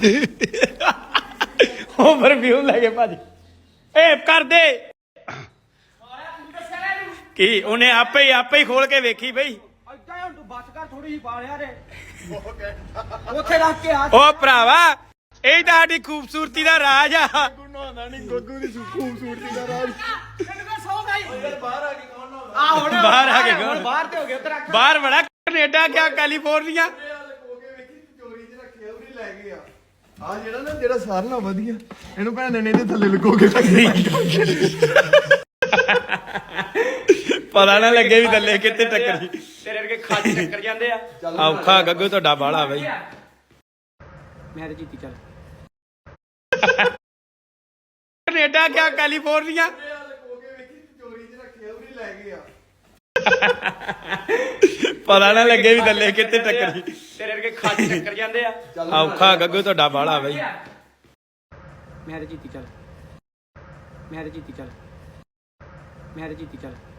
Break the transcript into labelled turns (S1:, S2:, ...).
S1: Over view ਲੈ ਕੇ ਭਾਜੀ ਏ ਕਰ ਦੇ ਕੀ ਉਹਨੇ ਆਪੇ ਹੀ ਖੋਲ ਕੇ ਵੇਖੀ ਬਈ
S2: ਅੱਗਾ ਹੁਣ ਤੂੰ ਬਸ ਕਰ ਥੋੜੀ ਜਿਹੀ ਪਾ ਲਿਆ ਰੇ ਉੱਥੇ ਰੱਖ ਕੇ ਆ
S1: ਓ ਭਰਾਵਾ ਇਹ ਤਾਂ ਸਾਡੀ ਖੂਬਸੂਰਤੀ ਦਾ ਰਾਜ ਆ
S3: ਨਹਾਉਂਦਾ ਨਹੀਂ ਗੱਗੂ ਦੀ ਖੂਬਸੂਰਤੀ ਦਾ ਰਾਜ
S2: ਕਿੰਨੇ ਸੌ ਗਈ
S3: ਬਾਹਰ ਆ ਕੇ ਕੌਣ ਨਹਾਉਂਦਾ
S2: ਆ ਹੁਣ
S1: ਬਾਹਰ ਆ ਕੇ ਕੌਣ?
S2: ਬਾਹਰ ਤੇ ਹੋ ਗਿਆ ਉਧਰ
S1: ਬਾਹਰ ਬੜਾ ਕੈਨੇਡਾ ਗਿਆ ਕੈਲੀਫੋਰਨੀਆ
S3: ਲਕੋ ਕੇ ਵੇਖੀ ਚੋਰੀ 'ਚ ਰੱਖਿਆ ਉਹਨੇ ਲੈ ਗਏ ਆ ਜਿਹੜਾ ਨਾ ਜਿਹੜਾ ਸਾਰਿਆਂ ਨਾਲੋਂ ਵਧੀਆ ਇਹਨੂੰ ਭੈਣ ਨੇ ਇਹਦੇ ਥੱਲੇ ਲਕੋ ਕੇ ਰੱਖਿਆ
S1: ਪਤਾ ਨਾ ਲੱਗੇ ਵੀ ਥੱਲੇ ਕਿੱਥੇ ਟੱਕਰੀ
S2: ਤੇਰੇ ਵਰਗੇ ਖਾਲੀ ਟੱਕਰ ਜਾਂਦੇ ਆ
S1: ਔਖਾ ਗੱਗੂ ਤੁਹਾਡਾ ਬਾਲਾ ਬਈ
S2: ਮੈਂ ਤੇ ਜੀਤੀ ਚੱਲ
S1: ਕੈਨੇਡਾ ਗਿਆ ਕੈਲੀਫੋਰਨੀਆ
S3: ਲਕੋ ਕੇ ਵੇਖੀ ਚੋਰੀ 'ਚ ਰੱਖਿਆ ਉਹਨੇ ਲੈ ਗਏ ਆ
S1: ਪਤਾ ਨਾ ਲੱਗੇ ਵੀ ਥੱਲੇ ਕਿੱਥੇ ਟੱਕਰੀ
S2: ਤੇਰੇ ਵਰਗੇ ਖਾਲੀ ਟੱਕਰ ਜਾਂਦੇ ਆ
S1: ਔਖਾ ਗੱਗੂ ਤੁਹਾਡਾ ਬਾਲਾ ਬਈ
S2: ਮੈਂ ਤੇ ਜੀਤੀ ਚੱਲ ਮੈਂ ਤੇ ਜੀਤੀ ਚੱਲ